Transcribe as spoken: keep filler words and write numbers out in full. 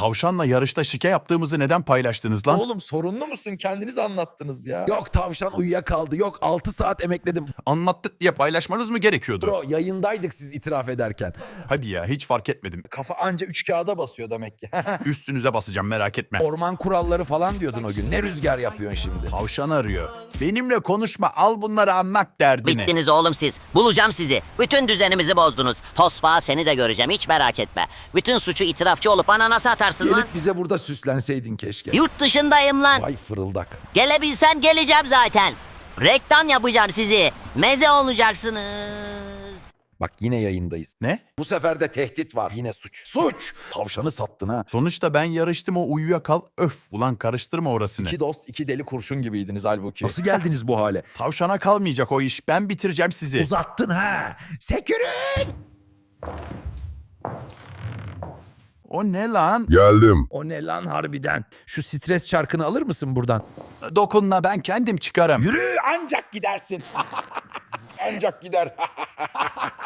Tavşanla yarışta şike yaptığımızı neden paylaştınız lan? Oğlum sorunlu musun? Kendiniz anlattınız ya. Yok tavşan uyuyakaldı. Yok altı saat emekledim. Anlattık diye paylaşmanız mı gerekiyordu? Bro yayındaydık siz itiraf ederken. Hadi ya, hiç fark etmedim. Kafa anca üç kağıda basıyor demek ki. Üstünüze basacağım, merak etme. Orman kuralları falan diyordun o gün. Ne rüzgar yapıyorsun şimdi? Tavşan arıyor. Benimle konuşma, al bunları anlat derdini. Bittiniz oğlum siz. Bulacağım sizi. Bütün düzenimizi bozdunuz. Tosbağa seni de göreceğim, hiç merak etme. Bütün suçu itirafçı olup bana nasıl atarsın lan? Gelip bize burada süslenseydin keşke. Yurt dışındayım lan. Vay fırıldak. Gelebilsen geleceğim zaten. Reklam yapacağım sizi. Meze olacaksınız. Bak yine yayındayız. Ne? Bu sefer de tehdit var. Yine suç. Suç! Tavşanı sattın ha. Sonuçta ben yarıştım, o uyuyakal. Öf ulan, karıştırma orasını. İki dost iki deli kurşun gibiydiniz halbuki. Nasıl geldiniz bu hale? Tavşana kalmayacak o iş. Ben bitireceğim sizi. Uzattın ha. Sekürün! O ne lan? Geldim. O ne lan harbiden? Şu stres çarkını alır mısın buradan? Dokunma, ben kendim çıkarım. Yürü ancak gidersin. ancak gider.